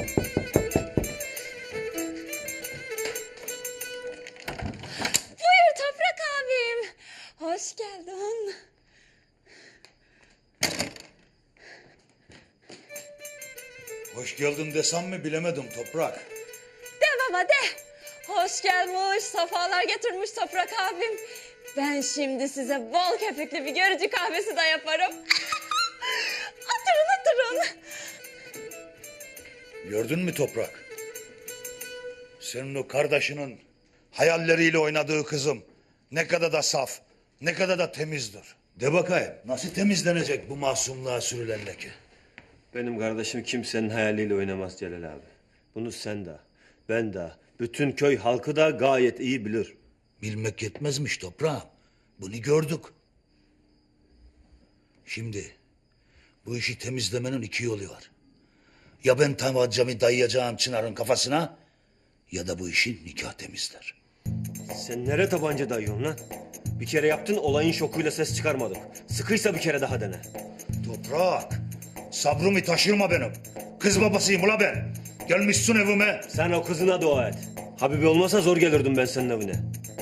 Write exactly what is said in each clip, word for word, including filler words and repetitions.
Buyur Toprak abim. Hoş geldin. Hoş geldin desem mi bilemedim Toprak. De baba de. Hoş gelmiş, safalar getirmiş Toprak abim. Ben şimdi size bol köpüklü bir görücü kahvesi de yaparım. Oturun oturun. Gördün mü Toprak? Senin o kardeşinin hayalleriyle oynadığı kızım ne kadar da saf, ne kadar da temizdir. De bakayım nasıl temizlenecek bu masumluğa sürülen leke? Benim kardeşim kimsenin hayaliyle oynamaz Celal abi. Bunu sen de, ben de, bütün köy halkı da gayet iyi bilir. Bilmek yetmezmiş Toprağım. Bunu gördük. Şimdi bu işi temizlemenin iki yolu var. Ya ben tabancamı dayayacağım Çınar'ın kafasına ya da bu işi nikah temizler. Sen nereye tabanca dayıyorsun lan? Bir kere yaptın, olayın şokuyla ses çıkarmadık. Sıkıysa bir kere daha dene. Toprak, sabrımı taşırma benim. Kız babasıyım ula ben. Gelmişsin evime. Sen o kızına dua et. Habibi olmasa zor gelirdim ben senin evine.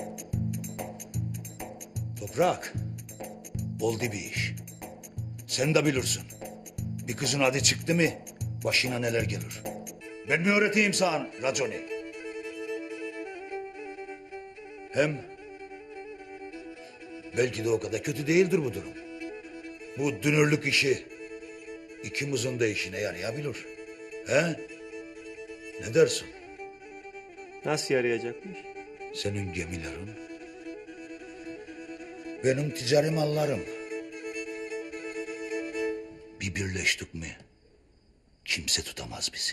Toprak, oldu bir iş. Sen de bilirsin. Bir kızın adı çıktı mı başına neler gelir. Ben mi öğreteyim sana raconi? Hem belki de o kadar kötü değildir bu durum. Bu dünürlük işi ikimizin de işine yarayabilir. He? Ne dersin? Nasıl yarayacakmış? Senin gemilerin, benim ticari mallarım. Bir birleştik mi kimse tutamaz bizi.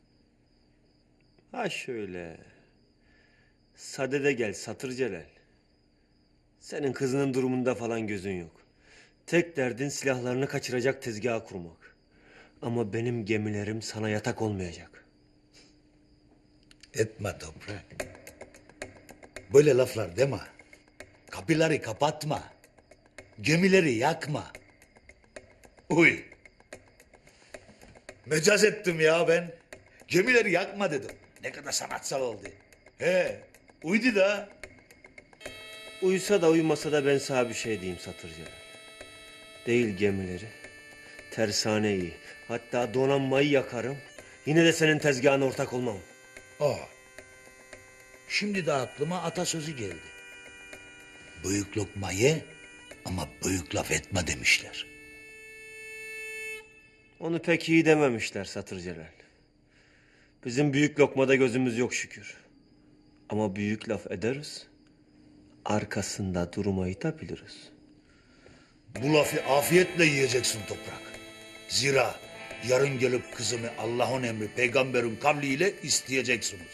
Ha şöyle. Sadede gel Satır Celal. Senin kızının durumunda falan gözün yok. Tek derdin silahlarını kaçıracak tezgah kurmak. Ama benim gemilerim sana yatak olmayacak. Etme Toprak. Böyle laflar deme. Kapıları kapatma. Gemileri yakma. Uy. Mecaz ettim ya ben. Gemileri yakma dedim. Ne kadar sanatsal oldu. He, uydu da. Uyusa da uyumasa da ben sana bir şey diyeyim Satır Celal. Değil gemileri, tersaneyi, hatta donanmayı yakarım. Yine de senin tezgahına ortak olmam. Aa. Şimdi de aklıma atasözü geldi. Büyük lokma ye ama büyük laf etme demişler. Onu pek iyi dememişler Satır Celal. Bizim büyük lokmada gözümüz yok şükür. Ama büyük laf ederiz, arkasında durmayı da biliriz. Bu lafı afiyetle yiyeceksin Toprak. Zira yarın gelip kızımı Allah'ın emri peygamberin kavliyle isteyeceksiniz.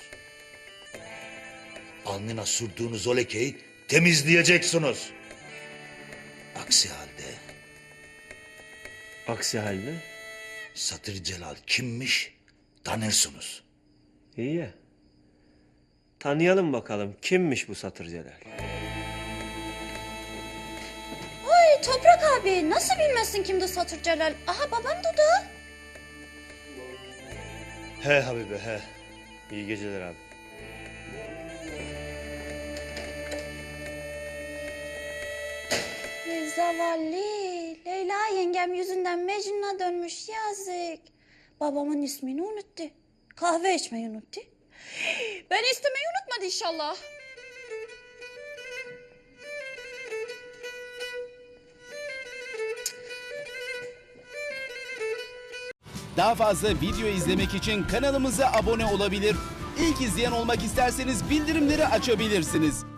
Alnına sürdüğünüz o lekeyi temizleyeceksiniz. Aksi halde Aksi halde Satır Celal kimmiş tanırsınız. iyi ya. Tanıyalım bakalım kimmiş bu Satır Celal. Oy Toprak abi nasıl bilmezsin kimdi Satır Celal? Aha babam Dudu. He Habibe he. İyi geceler abi. Ey zavallı. Leyla yengem yüzünden Mecnun'a dönmüş yazık. Babamın ismini unuttu. Kahve içmeyi unuttu. Ben istemeyi unutmadı inşallah. Daha fazla video izlemek için kanalımıza abone olabilir. İlk izleyen olmak isterseniz bildirimleri açabilirsiniz.